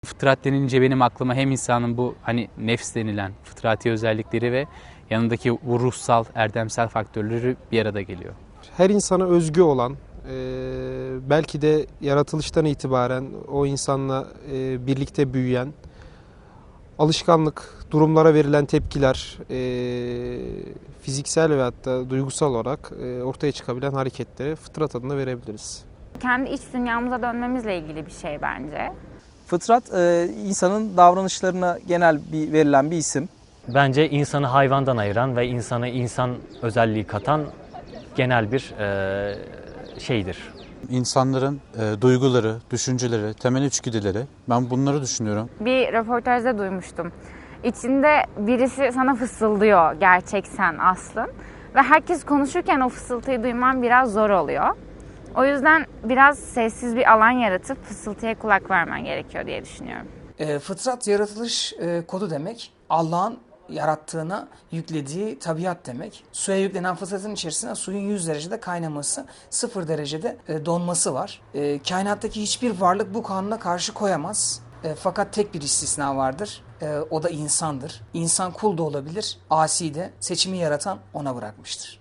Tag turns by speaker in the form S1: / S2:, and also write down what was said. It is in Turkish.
S1: Fıtrat denince benim aklıma hem insanın bu hani nefs denilen fıtrati özellikleri ve yanındaki bu ruhsal, erdemsel faktörleri bir arada geliyor.
S2: Her insana özgü olan, belki de yaratılıştan itibaren o insanla birlikte büyüyen, alışkanlık, durumlara verilen tepkiler, fiziksel ve hatta duygusal olarak ortaya çıkabilen hareketlere fıtrat adını verebiliriz.
S3: Kendi iç dünyamıza dönmemizle ilgili bir şey bence.
S4: Fıtrat, insanın davranışlarına verilen bir isim.
S5: Bence insanı hayvandan ayıran ve insana insan özelliği katan genel bir şeydir.
S6: İnsanların duyguları, düşünceleri, temel içgüdüleri, ben bunları düşünüyorum.
S3: Bir röportajda duymuştum. İçinde birisi sana fısıldıyor gerçek sen aslın. Ve herkes konuşurken o fısıltıyı duyman biraz zor oluyor. O yüzden biraz sessiz bir alan yaratıp fısıltıya kulak vermen gerekiyor diye düşünüyorum.
S7: Fıtrat yaratılış kodu demek. Allah'ın yarattığına yüklediği tabiat demek. Suya yüklenen fıtratın içerisinde suyun 100 derecede kaynaması, 0 derecede donması var. Kainattaki hiçbir varlık bu kanuna karşı koyamaz. Fakat tek bir istisna vardır. O da insandır. İnsan kul da olabilir, asi de. Seçimi yaratan ona bırakmıştır.